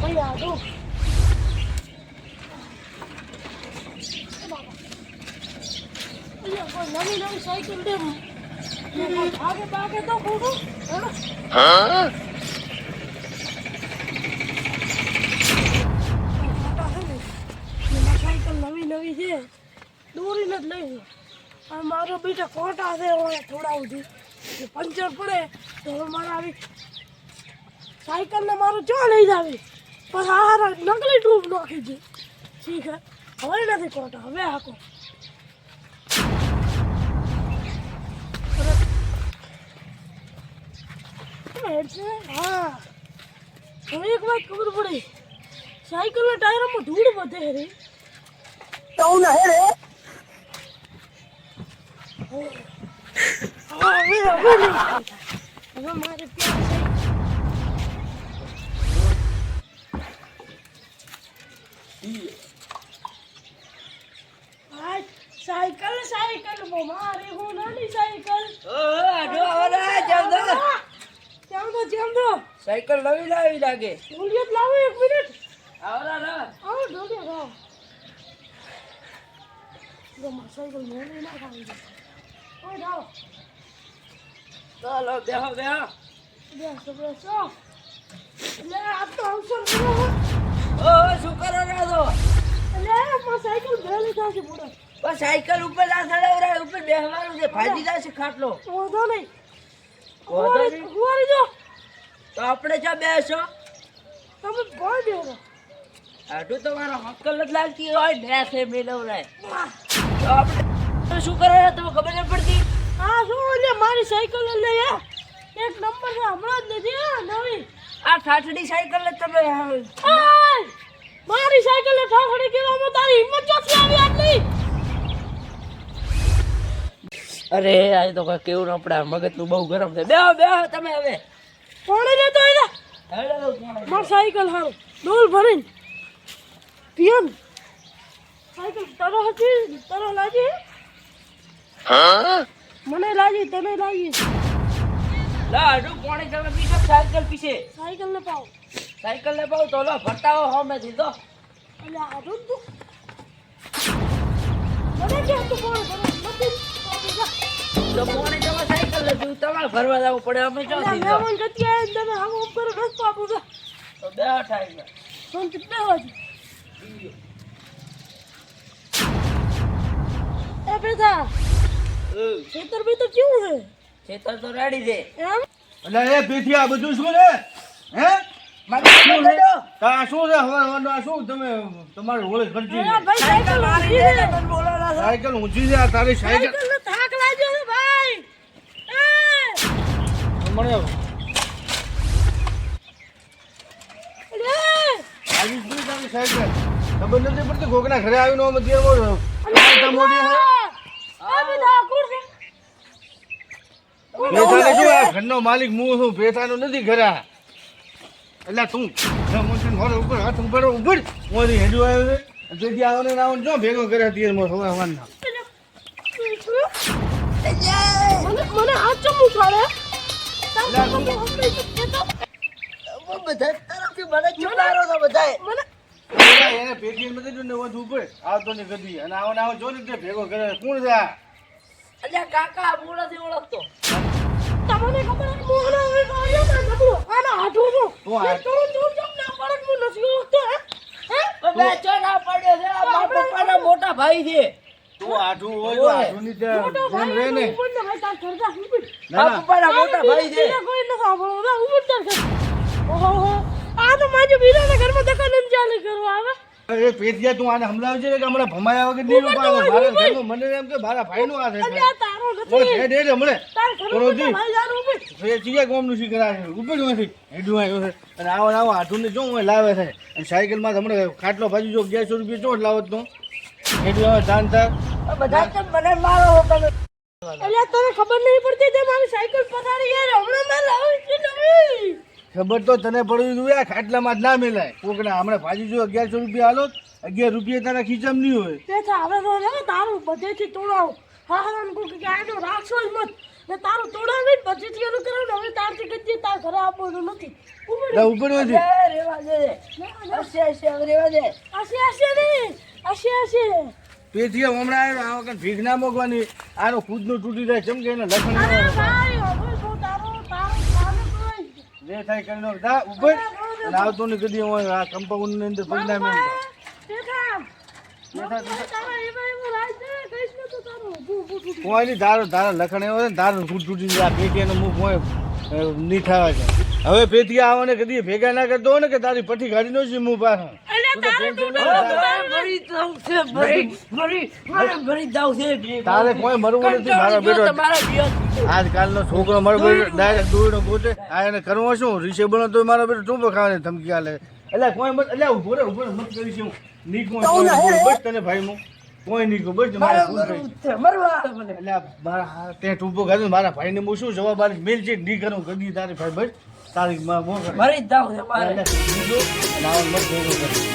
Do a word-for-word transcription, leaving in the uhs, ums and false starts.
ભાઈ આ જો નવી નવી સાયકલ દે આગે બાગે તો ખોટું હા સાયકલ નવી નવી છે દોરીને જ લઈ અને મારો બેટા કોટા છે હવે થોડા સુધી પંચર પડે તો હવે મારે આવી સાયકલને મારું ચા લઈ જાવી પણ આ નકલી ટ્યુબ નાખી છે ઠીક હે હવે નથી કોટા હવે હાકો હા હવે એક વાત ખબર પડી સાયકલના ટાયરમાં ધૂળ વધે રે તો ના હે રે હવે હવે હવે મારે પ્યાર છે સાયકલ સાયકલ મારે હું નાની સાયકલ ઓ આડો આવરા જમદો જમદો જમદો સાયકલ નવી લાવી લાગે બોલિયત લાવો એક મિનિટ આવરા રા આવો ઢોલે રાવ જો માર સાયકલ મોને ના ખાવી દે ઓય રાવ ચાલો બેહો બેહો બેસો બેસો લે આ તો અવસર કરો ઓ શું કરો રાજો લે માર સાયકલ ભેલી થાશે મોડા બસ સાયકલ ઉપર ના ચડાવરા ઉપર બેહવાનું છે ભાજી જશે ખાટલો વાંધો નહીં વાંધો નહીં હુવારી જો તો આપણે ચા બેસો તમે બોલ દેવો આટું તમારો હક્કલ જ લાગતી હોય ને છે મેલવરાય તો આપણે શું કરો તમે ખબર ન પડતી હા શું લે મારી સાયકલ લે યાર એક નંબર છે હમણાં જ નથી હા નવી આ ઠાઠડી સાયકલ જ તમે આય મારી સાયકલ ઠાઠડી કેવામાં તારી હિંમત ચોથી આવી આટલી અરે આ તો કઈ કેવું ન પડે મગજ નું બહુ ગરમ છે બેહો બેહો તમે હવે કોણે લેતો આયલા હેડો કોણ માર સાયકલ હારું ડોલ ભરીને પિયન સાયકલ તરો હતી તરો લાજી હા મને લાજી તને લાગી લા આડું કોણે તમે પીછે સાયકલ પીછે સાયકલ ને પાવ સાયકલ ને પાવ તો લો ફટાવો હોમે દીધો એટલે આડું તું મને કે તું કોણ કરે નથી તો કોણે તમે સાયકલ લીધું તમારે ભરવા જવું પડે અમે જો એટલે દીધો મેમન ગતિ આય તમે આમ આમ કરો રસ પાપું છે તો બે અઠાઈ ગયા ફોન કેટલા વાગે એ બેટા ખેતર બેતર કેવું છે ખેતર તો રેડી છે એમ એટલે એ પીઠી આ બધું શું છે હે મારે શું છે આ શું છે હવે આ શું તમે તમારી હોળી ખર્ચી અરે ભાઈ સાયકલ મારી છે તમે બોલો ના સાયકલ ઊંચી છે આ તારી સાયકલ સાયકલ નો થાક લાગ્યો છે ભાઈ એ મને અરે આવી શું તારી સાયકલ ખબર નથી પડતી કોકના ઘરે આવીને અમે દેવો મોટી હે આ બધા કુર છે પેથાને શું આ ઘરનો માલિક હું છું પેથાનો નથી ઘરે એટલે તું મોટી ઘર ઉપર હાથ ઉપર ઉપર મોદી હેડું આવ્યો છે તેથી આવને ના જો ભેગો કરે તીર મો સવા વાના મને મને હાથ ચમુ ખાડે બધા તરફથી મને ચુડારો તો બધાય મને એને પેટીએમ માં દીધું ને વધુ ઉપર આવતો ને ગદી અને આવો આવો જો ને ભેગો કરે કોણ છે આ અલ્યા કાકા હું નથી ઓળખતો તમને ખબર છે મોહના હવે આવ્યો ને નબળો આના હાથો જો હું હાથ- તો જો જો ના પડક હું નથી ઓળખતો હે હે બેચો ના પડ્યો છે આ મારા પપ્પાના મોટા ભાઈ છે તું આઠું હોય તો આઠું ની તે મોટો જેમ ભાઈ રહે ને ઉપર ને ભાઈ તાર કરતા ઉપર ના મારા ના પપ્પાના મોટા ભાઈ છે કોઈ ન સાંભળો ના ઉપર તાર કર ઓહો હો આ તો માજો બીજાના ઘરમાં દખલ ન ચાલી કરવા આવે એ પેટિયા તું આને સમજાવજે ને કે હમણાં ભમાયા વગર નહીં ઉપર રોપાવે તો મારા ઉપર. ઘરમાં મને એમ કે મારા ભાઈનું આ છે અરે આ તારો ઓય નથી હેડ હેડ હમણે તાર ઘરમાં ઓળખી. ભાઈ જારું ઉપર એ ચીયા ગોમનું શીખરા છે ઉપર જ નથી હેડું આવ્યો છે અને આવો ને આવો આઠું ને જો હું લાવે છે અને સાયકલમાં તો હમણાં ખાટલો ભાજી જો અગિયારસો રૂપિયા ચોટ લાવો તો હેડું આવે ધાન થાય આ બધા તો મને મારો તમે અલ્યા તને ખબર નહીં પડતી તે મારી સાયકલ પધારી યાર હમણાં મેં લાવી છે નવી ખબર તો તને પડ્યું હતું આ ખાટલામાં જ ના મેલાય કોકના હમણાં ભાજી જો અગિયારસો રૂપિયા હાલો અગિયાર રૂપિયા તારા ખીચામાં નહીં હોય તે હવે તો ને તારું બધેથી તોડાવ હા હા કો કે આનો રાખશો જ મત ને તારું તોડાવીને પછી એનું કરાવું ને હવે તારથી કદી તાર ઘરે આપવાનું નથી ઉપર લા ઉપર નથી અરે રેવા દે હશે હશે હવે રેવા દે આશે આશે નહીં આશે આશે પેથી હમણાં આવ્યો આ વખત ભીખ ના મોકવાની આનો ખુદનું તૂટી જાય ચમ કે એને લખણ અરે ન ભાઈ હવે તો તારો તારો તારો કોઈ જે થાય કરી નો જા ઉપર અને આવતો ને કદી હું આ કમ્પાઉન્ડ ની અંદર પગના મેં બેઠા તારા એમાં એમાં રાજ દે કઈશ ને તો તારો ઊભું ઊભું તૂટી કોઈ નહીં તારો તારા લખણ એવો છે ને તારું ખુદ તૂટી જાય આ પેટી એનો મુખ હોય નહીં થવા જાય હવે પેટી આવો ને કદી ભેગા ના કરતો હોય ને કે તારી પઠી ગાડી નો છે મું પાસે અલે તારે તૂટે ભરી જાઉં છે ભરી ભરી મારે ભરી જાઉં છે તારે કોઈ મરવું નથી મારો બેટો તમારા જીવન આજકાલનો છોકરો મારો બેટો ડાયરેક્ટ દોડનો ગોતે આ એને કરવો શું રિસેબલ તો મારો બેટો ટૂંપો ખાવાની ધમકી આલે એટલે કોઈ મત એટલે ઉભો રે ઉભો રે મત કરી છે હું ની કોઈ બસ તને ભાઈ હું કોઈ નહીં કહું બસ મારે ભૂલ થઈ મરવા મને એટલે આ મારા હા તે ટૂંપો ખાધો મારા ભાઈને હું શું જવાબ આલીશ મેલ છે નહીં કરું કદી તારી ભાઈ બસ તારી માં મોકલ ભરી જાઉં છે મારે એટલે કીધું અને આવો મત ભેગો કર